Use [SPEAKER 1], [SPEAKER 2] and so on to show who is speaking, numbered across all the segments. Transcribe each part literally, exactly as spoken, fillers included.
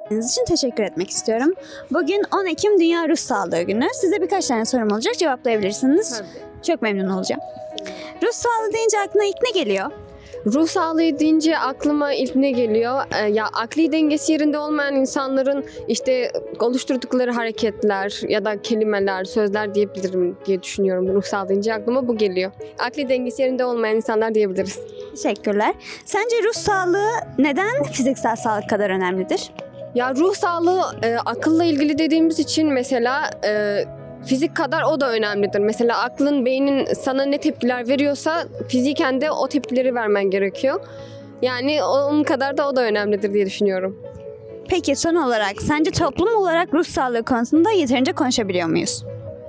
[SPEAKER 1] Dinlediğiniz için teşekkür etmek istiyorum. Bugün on Ekim Dünya Ruh Sağlığı Günü. Size birkaç tane sorum olacak, cevaplayabilirsiniz.
[SPEAKER 2] Tabii.
[SPEAKER 1] Çok memnun olacağım. Ruh sağlığı deyince aklına ilk ne geliyor?
[SPEAKER 2] Ruh sağlığı deyince aklıma ilk ne geliyor? Ee, ya akli dengesi yerinde olmayan insanların işte oluşturdukları hareketler ya da kelimeler, sözler diyebilirim diye düşünüyorum. Ruh sağlığı deyince aklıma bu geliyor. Akli dengesi yerinde olmayan insanlar diyebiliriz.
[SPEAKER 1] Teşekkürler. Sence ruh sağlığı neden fiziksel sağlık kadar önemlidir?
[SPEAKER 2] Ya ruh sağlığı e, akılla ilgili dediğimiz için mesela e, fizik kadar o da önemlidir. Mesela aklın, beynin sana ne tepkiler veriyorsa fiziken de o tepkileri vermen gerekiyor. Yani onun kadar da o da önemlidir diye düşünüyorum.
[SPEAKER 1] Peki son olarak sence toplum olarak ruh sağlığı konusunda yeterince konuşabiliyor muyuz?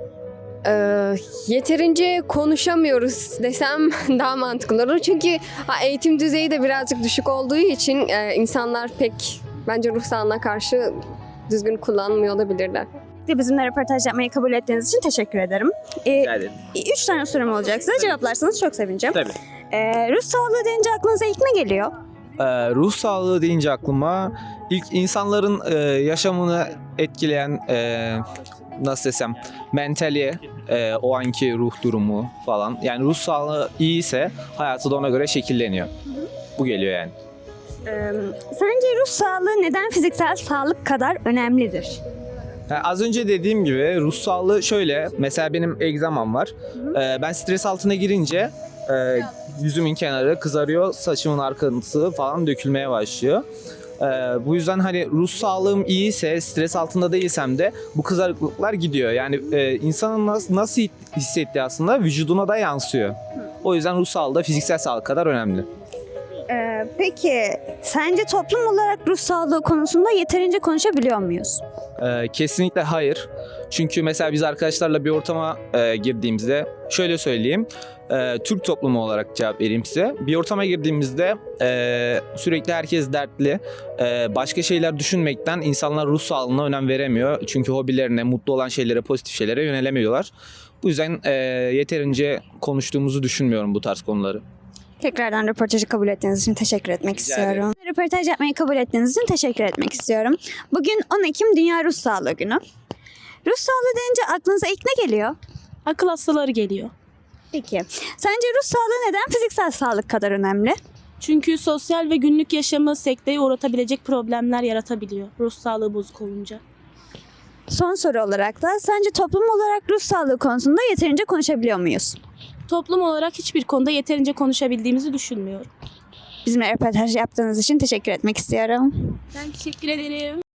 [SPEAKER 2] Ee, yeterince konuşamıyoruz desem daha mantıklı olur. Çünkü ha, eğitim düzeyi de birazcık düşük olduğu için e, insanlar pek bence ruh sağlığına karşı düzgün kullanmıyor olabilirler.
[SPEAKER 1] Bizimle röportaj yapmayı kabul ettiğiniz için teşekkür ederim. Ee,
[SPEAKER 3] Rica ederim.
[SPEAKER 1] üç tane sorum olacak size. Cevaplarsanız çok sevineceğim.
[SPEAKER 3] Tabii.
[SPEAKER 1] Ee, ruh sağlığı deyince aklınıza ilk ne geliyor?
[SPEAKER 3] Ee, ruh sağlığı deyince aklıma ilk insanların e, yaşamını etkileyen e, nasıl desem mentali, e, o anki ruh durumu falan. Yani ruh sağlığı iyiyse hayatı da ona göre şekilleniyor. Bu geliyor yani.
[SPEAKER 1] Ee, sence ruh sağlığı neden fiziksel sağlık kadar önemlidir?
[SPEAKER 3] Yani az önce dediğim gibi ruh sağlığı şöyle. Mesela benim egzamam var. Ee, ben stres altına girince e, yüzümün kenarı kızarıyor, saçımın arkası falan dökülmeye başlıyor. Ee, bu yüzden hani ruh sağlığım iyiyse, stres altında değilsem de bu kızarıklıklar gidiyor. Yani e, insanın nasıl, nasıl hissettiği aslında vücuduna da yansıyor. O yüzden ruh sağlığı da fiziksel sağlık kadar önemli.
[SPEAKER 1] Ee, peki sence toplum olarak ruh sağlığı konusunda yeterince konuşabiliyor muyuz?
[SPEAKER 3] Ee, kesinlikle hayır. Çünkü mesela biz arkadaşlarla bir ortama e, girdiğimizde şöyle söyleyeyim. E, Türk toplumu olarak cevap vereyim size. Bir ortama girdiğimizde e, sürekli herkes dertli. E, başka şeyler düşünmekten insanlar ruh sağlığına önem veremiyor. Çünkü hobilerine, mutlu olan şeylere, pozitif şeylere yönelemiyorlar. Bu yüzden e, yeterince konuştuğumuzu düşünmüyorum bu tarz konuları.
[SPEAKER 1] Tekrardan röportajı kabul ettiğiniz için teşekkür etmek
[SPEAKER 3] Rica ederim.
[SPEAKER 1] istiyorum. Röportaj yapmayı kabul ettiğiniz için teşekkür etmek istiyorum. Bugün on Ekim Dünya Ruh Sağlığı Günü. Ruh sağlığı deyince aklınıza ilk ne geliyor?
[SPEAKER 4] Akıl hastaları geliyor.
[SPEAKER 1] Peki. Sence ruh sağlığı neden fiziksel sağlık kadar önemli?
[SPEAKER 4] Çünkü sosyal ve günlük yaşamı sekteye uğratabilecek problemler yaratabiliyor ruh sağlığı bozuk olunca.
[SPEAKER 1] Son soru olarak da sence toplum olarak ruh sağlığı konusunda yeterince konuşabiliyor muyuz?
[SPEAKER 4] Toplum olarak hiçbir konuda yeterince konuşabildiğimizi düşünmüyorum.
[SPEAKER 1] Bizimle röportaj yaptığınız için teşekkür etmek istiyorum.
[SPEAKER 4] Ben teşekkür ederim.